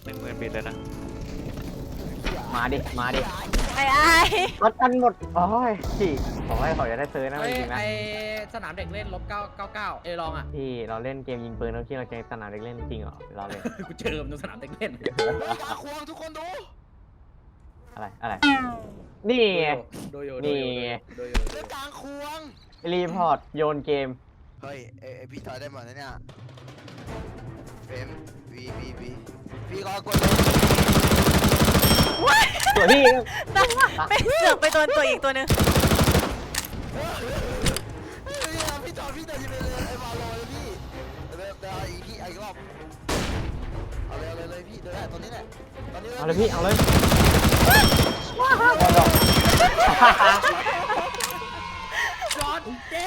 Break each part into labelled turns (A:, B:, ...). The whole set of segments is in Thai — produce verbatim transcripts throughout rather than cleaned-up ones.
A: หนึ่งหมื่นบิตเลยนะ
B: มาดิมาดิ
C: ไอ้ไอ้
B: รถกันหมดโอ้ยพี่ผมว่าเขาจะได้ซื้อนะจริงๆนะ
D: ไอสนามเด็กเล่นลบเก้าเก้าเก้าเอลองอ่ะ
B: พี่เราเล่นเกมยิงปืนแล้วที่เราจะสนามเด็กเล่นจริงเหรอเราเลย
D: กูเจอมันตรงสนามเด็กเล่น
E: ตาควงทุกคนดู
B: อะไรอะไรนี่ไง
D: โดโย
B: นี่
D: โดโย
E: เล่นกลางควง
B: รีพอร์ตโยนเกม
E: เฮ้ยเอพี่ถอยได้หมดนะเนี่ยเฟมวีวีวีพี่ก็กดเลย
B: ตัวพี่
C: นั่งไปเสือกไปตัวตัวอีกตัวหนึ่ง
E: พี่จอดพี่เดินไปเลยไอ้บอลเลยพี่เดินเดินอีกพี่อีกรอบเอาเลยเอาเลยเลยพี่เดินได้ตอนนี้แหละตอนนี้
B: เอาเลยพี่เอาเลย
D: จอดเจ๊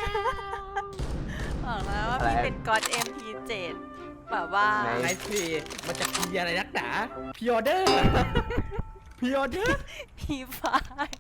C: บอกแล้วว่าพี่เป็นก๊อต เอ็ม พี เจ็ด แบบว่า
D: ไอซีมันจะกินอะไรนักหนาพิออเดอร์พิออเดอร์
C: พีไฟ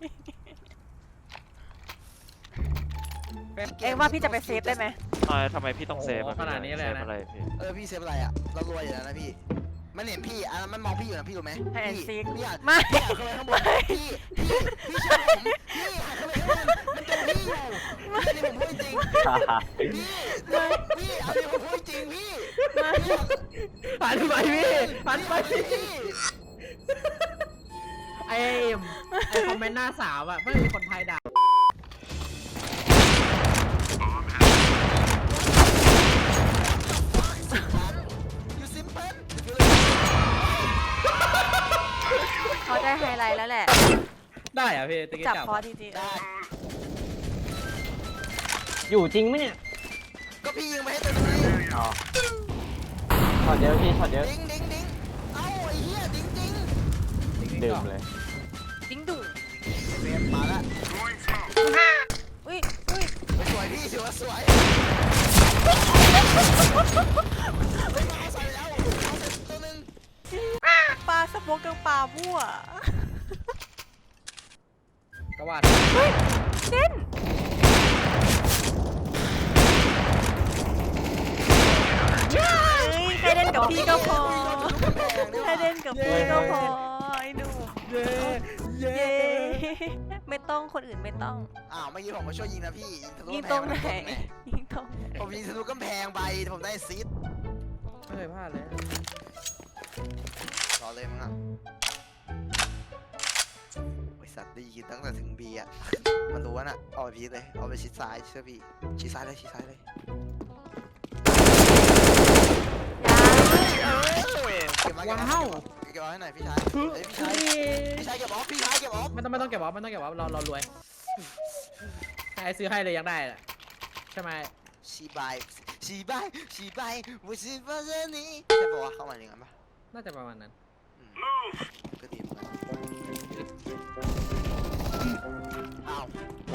C: เอ็งว่าพี่จะไปเซฟได้ไหม
A: ทำไมพี่ต้องเซฟขนาดนี้เลยนะอะไรพี่
E: เออพี่เซฟอะไรอ่ะเรารวยอยู่แล้วนะพี่มันเห็นพี่อันนั้นมันมองพี่อยู่นะพี่รู้ไหม
C: ให้แอนซิก
E: พี่อยาก
C: ไม่
E: พี่อยากขึ้นไปข้างบนพี่พี่พี่เชื่อผมพี่อยากขึ้นไปข้างบนมันเจอพี่อยู่อันนี้ผมพูดจริงพี่พี่อันนี้ผมพูดจริงพี่
D: ผ่านไปพี่ผ่านไปไอไอคอมเมนต์หน้าสาวอ่ะไม่มีคนไทยด่า
E: ยูซิมเพิล
C: เขาได้ไฮไลท์แล้วแหละ
D: ได้อะพี่ตะกี้
C: จับ
D: จับ
C: พอทีที
E: ได้
B: อยู่จริงไหมเนี่ย
E: ก็พี่ยิงไปให้ตัวนี้
B: อ๋อช็อตเยอะพี่ช็อตเยอะ
E: ดิ้งดิ้งดิ้งเอ้าไอ้เหี้ยดิ้งดิ้ง
B: ดื่มเลย
C: ดิ้งดุ่ง
E: เฟรมมาละ
C: อุ้ยอุ้ย
E: สวยพี่ถือว่าสวยไม่มาใส่แล้วเอาเสร็จตัวนึง
C: ปลาสโมกกับปลามั่ว
D: ก็ว่า
C: เฮ้ยเด่นเฮ้ยใครเล่นกับพี่ก็พอใครเล่นกับพี่ก็พอไอ้หนู
D: เย้เย้
C: เย้ไม่ต้องคนอื่นไม่ต้อง
E: อ้าวเมื่อกี้ผมมาช่วยยิงนะพี่ยิงทะลุ
C: ยิง
E: กำแพ
C: ตรงไหน
E: แม่
C: ยิงตรงไหน
E: ผมยิงทะลุกำแพงไปผมได้ซีด
D: ไม่เคยพลาดเลย
E: รอเลยมึงอ่ะบริษัทได้ยินตั้งแต่ถึงบีอ่ะมันรู้ว่าน่ะเอาไปพีเลยเอาไปชิดซ้ายเชื่อพี่ชิดซ้ายเลยชิดซ้ายเลยเก็บมาเก็บมา
D: ว้าว
E: เก็บมาให้หน่อยพี่ชายเฮ้ยพี่ชายพี่ชายเก็บออฟพี่ชายเก็บออฟ
D: ไม่ต้องไม่ต้องเก็บวอฟไม่ต้องเก็บวอฟเราเรารวยใครซื้อให้เลยยังได้แหละใช่ไหม
E: ชีบายชีบายชีบาย我是发现你ใช่ปะวะเข้ามาอย่างนั้นปะ
D: น่าจะประมาณนั้น
E: อืมก็ดีเหมือนกันอ้าว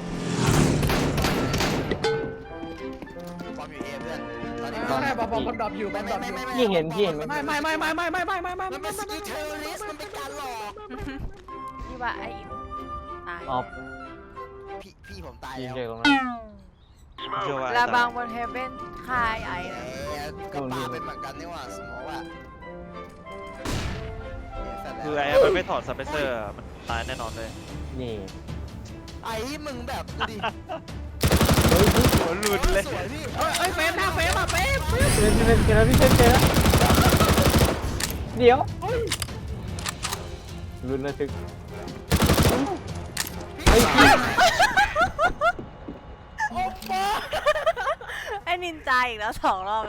E: บอมอยู่เอเพื่อนตอนนี้
D: ไม่ได้บอลบอลบอลดรอปอยู่บอ
E: ไม่
D: ลดร
E: ไม่
D: อปอยู่
E: ไม่ไม่
B: พี่เห็นพี่เห็นไหม
D: ไม่ไม่ไม่ไม่ไม่ไม่ไม่ไม่ไม่
E: มันเป็นสกิลเทอร์ริสมันเป็นการหลอก
C: นี่ว่าไอ้อิมตาย
B: ออฟ
E: พี่พี่ผมตาย
B: ยิง
E: แล้ว
B: เจอตรงนั้น
A: เชื่อว่า
C: ลาบางบนเฮเบนคายไอ้
E: แหมก็ปาเป็นเหมือนกันนี่หว่าสมองว่ะ
A: คือไอ้มันไม่ถอดซับเปเซอร์มันตายแน่นอนเลย
B: นี่
E: ไอ้มึงแบบดูดิ
A: หัวหลุดเลย
E: สวยพี่
D: เอ้ยเอ้ยเฟรมหน้าเฟรมอ่ะเฟรม
B: เจอเจอเจอแล้วพี่เจอเจอแล้วเดี๋ยวลุ้นระทึกไอ้พี่
C: ไอ้นินจาอีกแล้วสองรอบ